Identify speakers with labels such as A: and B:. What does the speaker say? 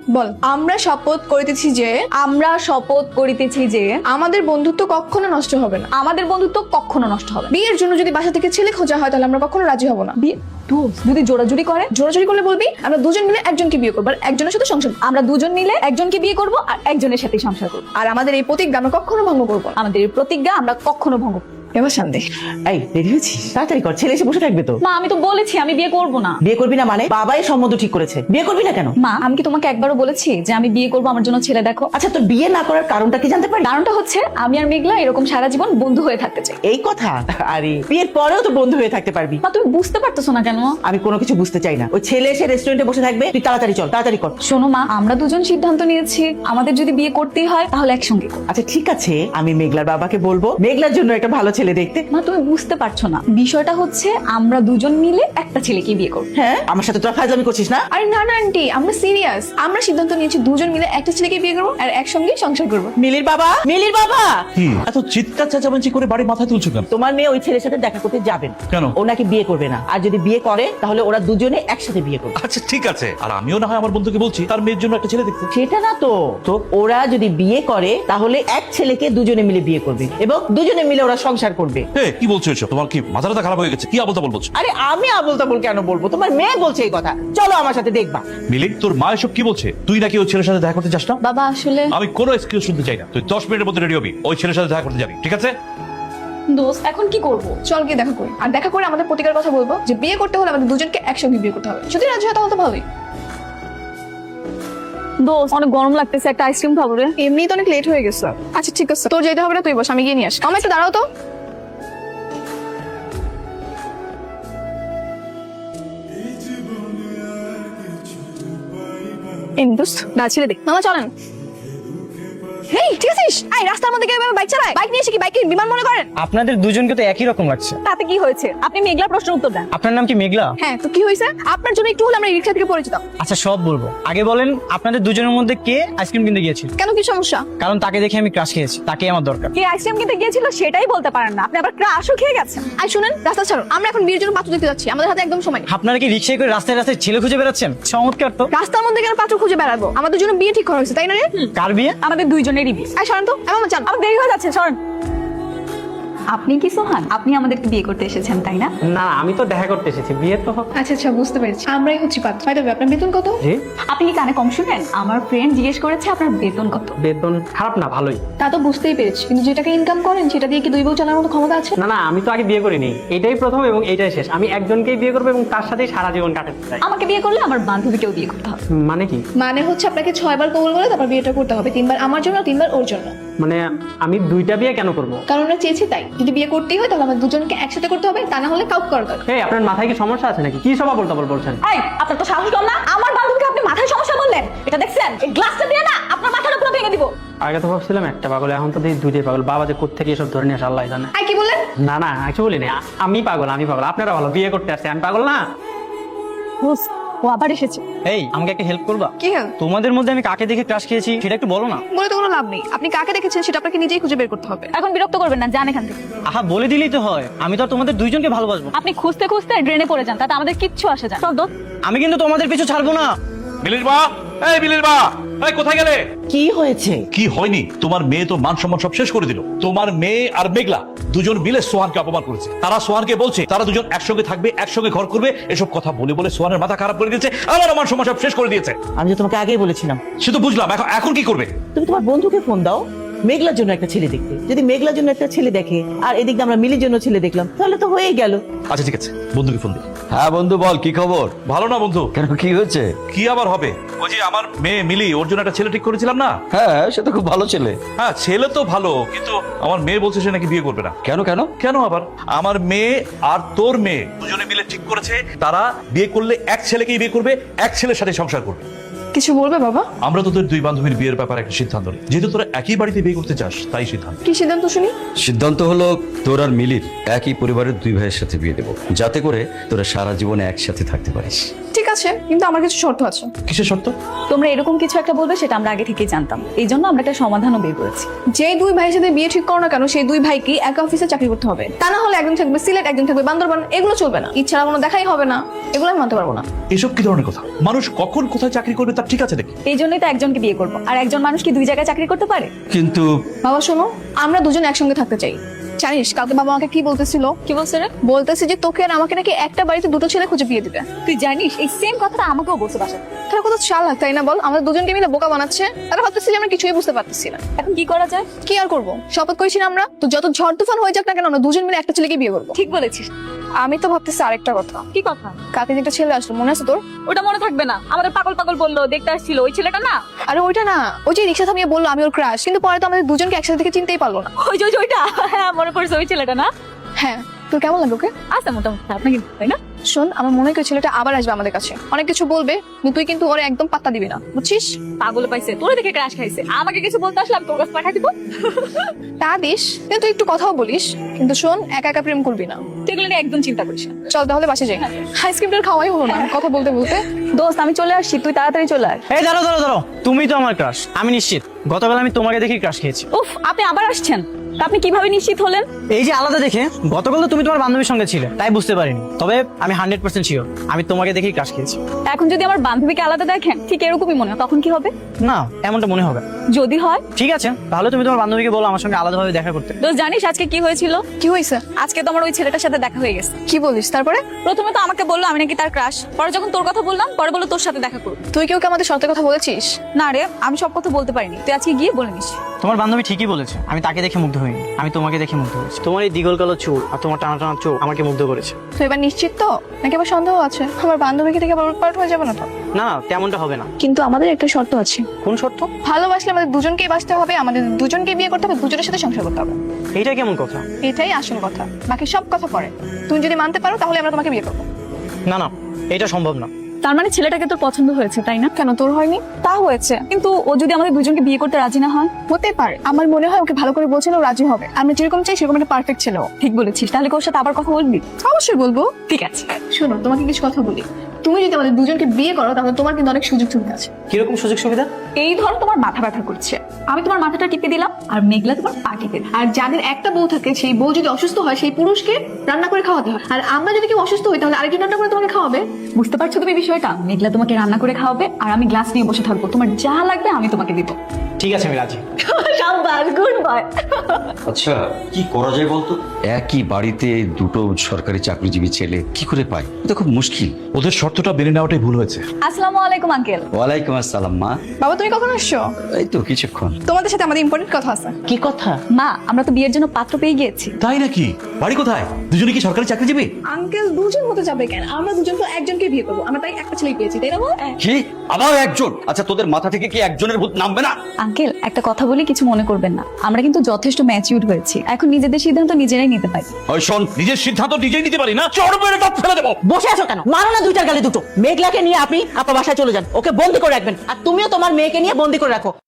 A: বল। আমরা শপথ করিতেছি যে আমাদের বন্ধুত্ব কখনো নষ্ট হবে না। বিয়ের জন্য যদি বাসা থেকে ছেলে খোঁজা হয় তাহলে আমরা কখনো রাজি হব না।
B: বিয়ে যদি জোরাজুরি
A: করলে বলবি আমরা দুজন মিলে একজনকে বিয়ে করবো আর একজনের সাথে সংসার করবো।
B: আমরা দুজন মিলে একজনকে বিয়ে করব আর একজনের সাথে সংসার করব।
A: আর আমাদের এই প্রতিজ্ঞা আমরা কখনো ভঙ্গ করবো না।
B: আমাদের এই প্রতিজ্ঞা আমরা কখনো ভঙ্গ করব না।
A: এবার শান্তি।
C: এই রেডি হয়েছিস? তাড়াতাড়ি কর, ছেলে এসে বসে থাকবে তো।
B: মা আমি তো বলেছি আমি বিয়ে করব না।
C: বিয়ে করবি না মানে? বাবাই সম্বন্ধ ঠিক করেছে, বিয়ে করবি না কেন?
B: মা আমি কি তোমাকে একবারও বলেছি যে আমি বিয়ে করব, আমার জন্য ছেলে দেখো?
C: আচ্ছা, তোর বিয়ে না করার কারণটা কি জানতে পারি?
B: কারণটা হচ্ছে আমি আর মেঘলা এরকম সারা জীবন বন্ধু হয়ে থাকতে চাই।
C: এই কথা? আরে বিয়ের পরেও তো বন্ধু হয়ে থাকতে পারবি।
B: মা তুমি বুঝতে পারতেছো না কেন?
C: আমি কোনো কিছু বুঝতে চাই না। ওই ছেলে এসে রেস্টুরেন্টে বসে থাকবে, তুই তাড়াতাড়ি চল, তাড়াতাড়ি কর।
B: শোনো মা, আমরা দুজন সিদ্ধান্ত নিয়েছি আমাদের যদি বিয়ে করতেই হয় তাহলে একসঙ্গে করব।
C: আচ্ছা ঠিক আছে, আমি মেঘলার বাবাকে বলবো মেঘলার জন্য একটা ভালো ছেলে দেখতে।
B: মা তুমি বুঝতে পারছো না, বিষয়টা হচ্ছে আমরা দুজন মিলে একটা ছেলেকে বিয়ে করব।
C: হ্যাঁ, আমার সাথে তোরা ফাজলামি করছিস না?
A: আরে না না আন্টি, আমরা সিরিয়াস। আমরা সিদ্ধান্ত নিয়েছি দুজন মিলে একটা ছেলেকে বিয়ে করবো আর একসঙ্গে সংসার করবো।
C: মিলির বাবা, মিলির বাবা,
D: কি এত চিৎকার চেঁচামেচি করে বাড়ি মাথায় তুলছো কেন?
C: তোমার মেয়ে ওই ছেলের সাথে দেখা করতে যাবেন।
D: কেন?
C: ও নাকি বিয়ে করবে না, আর যদি বিয়ে করে তাহলে ওরা দুজনে একসাথে বিয়ে করবে।
D: আচ্ছা ঠিক আছে, আর আমিও না হয় আমার বন্ধুকে বলছি তার মেয়ের জন্য একটা ছেলে দেখতে।
C: সেটা না তো, তো ওরা যদি বিয়ে করে তাহলে এক ছেলেকে দুজনে মিলে বিয়ে করবে এবং দুজনে মিলে ওরা সংসার করবে।
D: কি বলছো এসব? তোমার কি মাথাটা খারাপ হয়ে গেছে? কি আবল তাবল বলছো?
C: আরে আমি আবল তাবল কেন বলবো? তোমার মেয়ে বলছে এই কথা। চলো আমার সাথে দেখবা।
D: মিলি, তোর মা এসব কি বলছে? তুই নাকি ওই ছেলের সাথে দেখা করতে চাস না?
B: বাবা আসলে
D: আমি কোনো এক্সকিউজ শুনতে চাই না। তুই 10 মিনিটের মধ্যে রেডি হবি, ওই ছেলের সাথে দেখা করতে যাবি, ঠিক আছে?
B: দোস্ত এখন কি করব?
A: চল গিয়ে দেখা করি, আর দেখা করে আমাদের প্রতিকার কথা বলবো যে বিয়ে করতে হলে আমাদের দুজনকে একসঙ্গে বিয়ে করতে হবে। যদি রাজি হয় তাহলে তো ভালোই।
B: দোস্ত অনেক গরম লাগতেছে, একটা আইসক্রিম খাবো রে।
A: এমনি তো অনেক লেট হয়ে গেছে। আচ্ছা ঠিক আছে, তোর যেতে হবে না, তুই বস, আমি গিয়ে নিয়ে আসি। আমার একটু দাঁড়াও তো। দোস্ত ছেলে দেখ। মামা চলেন। হেই ঠিক আছিস? এই রাস্তার মধ্যে কেউ বাইক চালায়? বাইক নিয়ে এসে কি বাইক বিমান মনে করেন?
E: আপনাদের দুজনকে তো একই রকম লাগছে।
B: তাতে কি হয়েছে? আপনি মেঘলা প্রশ্নের উত্তর দেন।
E: আপনার নাম কি মেঘলা?
A: হ্যাঁ তো কি হয়েছে? আপনার জন্য একটু হলে আমরা রিক্সা থেকে পরিচিত।
E: আচ্ছা সব বলবো, আগে বলেন আপনাদের দুজনের মধ্যে কে আইসক্রিম কিনতে গিয়েছিল?
A: কেন, কি সমস্যা?
E: কারণ তাকে দেখে আমি ক্রাশ খেয়েছি, তাকে আমার দরকার।
B: কে আইসক্রিম কিনতে গিয়েছিল সেটাই বলতে পারেন না, আপনি আবার ক্রাশও খেয়ে গেছেন।
A: আর শুনেন, রাস্তা ছাড়ো, আমরা এখন বিয়ের জন্য পাত্র দেখতে যাচ্ছি। আমাদের হাতে একদম সময় নেই।
E: আপনারা কি রিক্সায় করে রাস্তায় রাস্তায় ছেলে খুঁজে বেড়াচ্ছেন? চমৎকার তো।
A: রাস্তার মধ্যে কেন পাত্র খুঁজে বেড়াবো? আমাদের জন্য বিয়ে ঠিক করা হয়েছে, তাই না রে?
E: কার বিয়ে?
B: আমাদের দুইজনেরই বিয়ে।
A: এই সরেন তো, আমার চান।
B: আমার দেরি হয়ে যাচ্ছে, সরেন। আপনি কি সোহান? আপনি আমাদেরকে বিয়ে করতে এসেছেন তাই না?
E: না আমি তো দেখা করতে এসেছি, বিয়ে তো।
A: আচ্ছা আচ্ছা বুঝতে পেরেছি, আমরাই হচ্ছি পাত্র। ভাই আপনার বেতন কত?
E: জি,
B: আপনি কি কানে কম শুনেন? আমার ফ্রেন্ড জিজ্ঞেস করেছে আপনার বেতন কত।
E: বেতন খারাপ না, ভালোই।
A: তা তো বুঝতেই পেরেছি, কিন্তু যে টাকা ইনকাম করেন সেটা দিয়ে কি দুই বউ চালানোর মতো ক্ষমতা আছে?
E: না আমি তো আগে বিয়ে করিনি, এটাই প্রথম এবং এটাই শেষ। আমি একজনকেই বিয়ে করবো এবং তার সাথেই সারা জীবন কাটাতে চাই।
B: আমাকে বিয়ে করলে আমার বান্ধবীকেও বিয়ে করতে হবে।
E: মানে কি?
A: মানে হচ্ছে আপনাকে 6 বার কবুল বলে তারপর বিয়েটা করতে হবে। 3 বার আমার জন্য, 3 বার ওর জন্য।
E: মানে আমি দুইটা বিয়ে কেন করবো?
A: কারণ আমরা চেয়েছি তাই। যদি বিয়ে করতেই হয় তাহলে আমাদের দুজনকে একসাথে করতে হবে, তা না হলে কাউকে করা দরকার।
E: এই আপনার মাথায় কি সমস্যা আছে নাকি? কি সব আবল তাবল বলছেন?
B: এই আপনার তো সাহস কম না? আমার বান্ধবীকে আপনি মাথায় সমস্যা বললেন? এটা দেখছেন? এই গ্লাসটা দিয়ে না আপনার মাথাটা পুরো ভেঙে দিব।
E: আগে তো ভাবছিলাম একটা পাগল, এখন তো দেখি দুইটাই পাগল। বাবা যে কোত্থেকে এসব ধরে নিয়ে আসে আল্লাহ জানে।
A: আই কি বললেন?
E: না কিছু বলিনি। আমি পাগল। আপনারা ভালো, বিয়ে করতে আসছে, আমি পাগল না।
B: ও আবার এসেছে।
E: এই আমাকে একটা হেল্প করবা?
A: কি হেল্প?
E: তোমাদের মধ্যে আমি কাকে দেখে ক্রাশ খেয়েছি সেটা একটু বলো না।
A: বলে তো কোনো লাভ নেই। আপনি কাকে দেখেছেন সেটা আপনাকে নিজেই খুঁজে বের করতে হবে।
B: এখন বিরক্ত করবেন না, যান এখান থেকে।
E: আহা বলে দিলেই তো হয়, আমি তো আর তোমাদের দুইজনকে ভালোবাসবো।
B: আপনি খুঁজতে খুঁজতে ড্রেনে পড়ে যান, তাতে আমাদের কিচ্ছু আসে যায়। চল দোস্ত।
E: আমি কিন্তু তোমাদের পিছু ছাড়বো না।
D: মিলির মা, এই মিলির মা, এই কোথায় গেলে?
C: কি হয়েছে?
D: কি হয়নি? তোমার মেয়ে তো মান সম্মান সব শেষ করে দিল। তোমার মেয়ে আর মেঘলা দুজন মিলে সোহানকে অপমান করেছে। তারা সোহানকে বলছে তারা দুজন একসঙ্গে থাকবে, একসঙ্গে ঘর করবে। এসব কথা বলে বলে সোহানের মাথা খারাপ করে দিয়েছে, আমার মান সম্মান সব শেষ করে দিয়েছে।
C: আমি তো তোমাকে আগেই বলেছিলাম।
D: সে তো বুঝলাম, এখন কি করবে?
C: তুমি তোমার বন্ধুকে ফোন দাও মেঘলার জন্য একটা ছেলে দেখতে। যদি মেঘলার জন্য একটা ছেলে দেখে আর এদিক দিয়ে আমরা মিলির জন্য ছেলে দেখলাম, তাহলে তো হয়েই গেল।
D: আচ্ছা ঠিক আছে, বন্ধুকে ফোন দিই।
F: হ্যাঁ বন্ধু বল, কি খবর?
D: ভালো না বন্ধু?
F: কেন, কি হয়েছে?
D: কি আবার হবে? ওই যে আমার মেয়ে মিলি, ওর জন্য একটা ছেলে ঠিক করেছিলাম না?
F: হ্যাঁ সে তো খুব ভালো ছেলে।
D: হ্যাঁ ছেলে তো ভালো, কিন্তু আমার মেয়ে বলছে সে নাকি বিয়ে করবে না।
F: কেন কেন?
D: কেন আবার? আমার মেয়ে আর তোর মেয়ে দুজনে মিলে ঠিক করেছে তারা বিয়ে করলে এক ছেলেকেই বিয়ে করবে, এক ছেলের সাথে সংসার করবে।
A: কিছু বলবে বাবা?
D: আমরা তোদের দুই বান্ধবীর বিয়ের ব্যাপারে একটা সিদ্ধান্ত নিই। যেহেতু তোরা একই বাড়িতে বিয়ে করতে চাস, তাই সিদ্ধান্ত।
A: কি সিদ্ধান্ত শুনি?
F: সিদ্ধান্ত হলো তোর আর মিলির একই পরিবারের দুই ভাইয়ের সাথে বিয়ে দেবো, যাতে করে তোরা সারা জীবনে একসাথে থাকতে পারিস।
A: ঠিক আছে, আছে, কিন্তু আমার কিছু শর্ত আছে।
D: কিসের শর্ত?
B: তোমরা এরকম কিছু একটা বলবে সেটা আমরা আগে থেকেই জানতাম, এই জন্য আমরা একটা সমাধানও বের করেছি।
A: যেই দুই ভাইয়ের সাথে বিয়ে ঠিক করো না কেন, সেই দুই ভাইকে এক অফিসে চাকরি করতে হবে। তা না হলে একজন থাকবে সিলেট, একজন থাকবে বান্দরবান। এগুলো চলবে না, ইচ্ছা কোনো দেখাই হবে না। এগুলো আমি মানতে পারবো না।
D: এসব কি ধরনের কথা? মানুষ কখন কোথায় চাকরি করবে তার ঠিক আছে নাকি?
B: এই জন্যই তো একজনকে বিয়ে করবো, আর একজন মানুষ কি দুই জায়গায় চাকরি করতে পারে?
F: কিন্তু
A: বাবা শোনো, আমরা দুজন একসঙ্গে থাকতে চাই। জানিস কালকে বাবা আমাকে কি বলতেছিল?
B: কি বলছে রে?
A: বলতেছে যে তোকে আর আমাকে নাকি একটা বাড়িতে দুটো ছেলে খুঁজে বিয়ে দিবে।
B: তুই জানিস এই সেম কথাটা আমাকেও বলছে বাসায়।
A: তাহলে কত চালাক তাই না বল? আমাদের দুজনকে মিলে বোকা বানাচ্ছে। তারা ভাবতেছে যে আমরা কিছুই বুঝতে পারতেছি না।
B: এখন কি করা যায়?
A: কি আর করবো, শপথ করেছি না আমরা, তো যত ঝড় তুফান হয়ে যাক না কেন আমরা দুজন মিলে একটা ছেলেকে বিয়ে করবো।
B: ঠিক বলেছিস।
A: আমি তো ভাবতেছি আরেকটা কথা।
B: কি কথা?
A: কালকে যে একটা ছেলে আসলো মনে আছে তোর?
B: ওটা মনে থাকবে না? আমাদের পাগল পাগল বললো দেখতে আসছিল, ওই ছেলেটা না?
A: আরে ওইটা না, ওই যে রিক্সা থামিয়ে বললো আমি ওর ক্রাশ, কিন্তু পরে তো আমাদের দুজনকে একসাথে থেকে চিনতেই পারলো না।
B: ওই যে ওইটা, হ্যাঁ মনে পড়ছে, ওই ছেলেটা না?
A: হ্যাঁ, তোর কেমন লাগলো ওকে?
B: আচ্ছা মোটামুটি খারাপ না কিন্তু, তাই না?
A: শোন, আমার মনে হয় ওই ছেলেটা আবার আসবে আমাদের কাছে, অনেক কিছু বলবে, কিন্তু তুই কিন্তু ওরে একদম পাত্তা দিবি না, বুঝছিস?
B: পাগল পাইছে, তোরে দেখে ক্রাশ খাইছে, আমাকে কিছু বলতে আসলাম তোর কাছে পাঠাই দিব।
A: তা দিস, কিন্তু তুই একটু কথাও বলিস, কিন্তু শোন একা একা প্রেম করবি না।
B: তুই এগুলো নিয়ে একদম চিন্তা করিস না।
A: চল তাহলে বাসে যাই, আইসক্রিমটা খাওয়াই হলো না কথা বলতে বলতে।
B: দোস্ত আমি চলে আসছি, তুই তাড়াতাড়ি চলে আয়।
E: এই দাঁড়াও দাঁড়াও দাঁড়াও, তুমি তো আমার ক্রাশ, আমি নিশ্চিত। গতকাল আমি তোমাকে দেখে ক্রাশ খেয়েছি।
B: উফ, আপনি আবার আসছেন? তা আপনি কিভাবে নিশ্চিত হলেন?
E: এই যে আলাদা দেখে, গতকাল তো তুমি তোমার বান্ধবীর সঙ্গে ছিলে, তাই বুঝতে পারিনি। তবে আমি 100% শিওর আমি তোমাকে দেখেই ক্রাশ খেয়েছি।
B: এখন যদি আমার বান্ধবীকে আলাদা দেখেন, ঠিক এরকমই মনে হয়, তখন কি হবে?
E: না, এমনটা মনে হবে।
B: যদি হয়?
E: ঠিক আছে, তাহলে তুমি তোমার বান্ধবীকে বলো আমার সঙ্গে আলাদাভাবে দেখা করতে।
B: দোস্ত জানিস আজকে কি হয়েছিল?
A: কি হয়েছে?
B: আজকে তো আমার ওই ছেলেটার সাথে দেখা হয়ে গেছে।
A: কি বলিস? তারপরে?
B: প্রথমে তো আমাকে বললো আমি নাকি তার ক্রাশ, পরে যখন তোর কথা বললাম, পরে বললো তোর সাথে দেখা করবো।
A: তুই কেউ আমাদের সত্যি কথা বলেছিস?
B: না রে, আমি সব কথা বলতে পারিনি, তুই আজকে গিয়ে বলে নিস।
E: তোমার বান্ধবী ঠিকই বলেছে, আমি তাকে দেখে মুগ্ধ হইনি, আমি তোমাকে দেখে মুগ্ধ হয়েছি। তোমার এই দিগল কালো চুল আর তোমার টানা টানা চোখ আমাকে মুগ্ধ করেছে।
A: তো এবার নিশ্চিত তো, নাকি আবার সন্দেহ আছে? আমার বান্ধবীকে থেকে আবার উৎপাট হয়ে যাবে না তো?
E: না না, তেমনটা হবে না।
A: কিন্তু আমাদের একটা শর্ত আছে।
E: কোন শর্ত?
A: ভালোবাসলে আমাদের দুজনকেই বাঁচতে হবে, আমাদের দুজনকে বিয়ে করতে হবে, দুজনের সাথে সংসার করতে হবে।
E: এইটা কেমন কথা?
A: এটাই আসল কথা, বাকি সব কথা পরে। তুমি যদি মানতে পারো তাহলে আমরা তোমাকে বিয়ে করবো।
E: না না, এটা সম্ভব না।
B: তার মানে ছেলেটাকে তোর পছন্দ হয়েছে, তাই না?
A: কেন, তোর হয়নি?
B: তা হয়েছে, কিন্তু ও যদি আমাদের দুজনকে বিয়ে করতে রাজি না হয়?
A: হতে পারে, আমার মনে হয় ওকে ভালো করে বলছিল ও রাজি হবে। আমরা যেরকম চাই সেরকম একটা পারফেক্ট ছিল।
B: ঠিক বলেছিস, তাহলে কি ওর সাথে আবার কথা বলবি?
A: অবশ্যই বলবো।
B: ঠিক আছে।
A: শোনো, তোমাকে কিছু কথা বলি। তুমি যদি আমাদের দুজনকে বিয়ে করো তাহলে তোমার কিন্তু অনেক সুযোগ সুবিধা আছে।
E: কিরকম সুযোগ সুবিধা?
B: এই ধরো তোমার মাথা ব্যথা করছে, আমি তোমার মাথাটা টিপে দিলাম, আর মেঘলা তোমার পা টিপে দিল।
A: আর যাদের একটা বউ থাকে, সেই বউ যদি অসুস্থ হয় সেই পুরুষকে রান্না করে খাওয়াতে হয়। আর আমরা যদি কেউ অসুস্থ হই তাহলে আরেকজন রান্না করে তোমাকে খাওয়াবে।
B: বুঝতে পারছো তুমি বিষয়টা? মেঘলা তোমাকে রান্না করে খাওয়াবে, আর আমি গ্লাস নিয়ে বসে থাকবো, তোমার যা লাগবে আমি তোমাকে দিব।
E: ঠিক আছে, আমি রাজি।
B: শাবাশ, গুড বয়।
F: আচ্ছা, কি করা যায় বলতো? একই বাড়িতে দুটো সরকারি চাকরিজীবী ছেলে কি করে পায়? এটা খুব মুশকিল।
D: ওদের শর্তটা মেনে নেওয়াটাই ভুল হয়েছে।
B: আসসালামু আলাইকুম আঙ্কেল।
F: ওয়ালাইকুম আসসালাম মা।
A: বাবা তুমি কখন আসছো?
F: এই তো কিছুক্ষণ।
A: তোমাদের সাথে আমাদের ইম্পর্টেন্ট কথা আছে।
C: কি কথা?
B: মা, আমরা তো বিয়ের জন্য পাত্র পেয়ে গিয়েছি।
D: তাই নাকি? বাড়ি কোথায়? দুজনে কি সরকারি চাকরিজীবী?
A: আঙ্কেল দুজন হতে যাবে কেন? আমরা দুজন তো একজনকে বিয়ে করবো, আমরা তাই একটা ছেলে পেয়েছি, তাই না বল?
F: কি আবার একজন? আচ্ছা, তোদের মাথা থেকে কি একজনের ভূত নামবে না?
B: আঙ্কেল একটা কথা বলি, কিছু মনে করবেন না, আমরা কিন্তু যথেষ্ট ম্যাচিউর হয়েছি, এখন নিজেদের সিদ্ধান্ত নিজেরাই নিতে পারি।
D: ওই শোন, নিজের সিদ্ধান্ত নিজেই নিতে পারি না, চড় মেরে দাঁত ফেলে দেবো।
C: বসে আছো কেন? মারো না দুইটার গালে দুটো। মেঘলাকে নিয়ে আপনি আপনার বাসায় চলে যান, ওকে বন্দি করে রাখবেন, আর তুমিও তোমার মেয়েকে নিয়ে বন্দি করে রাখো।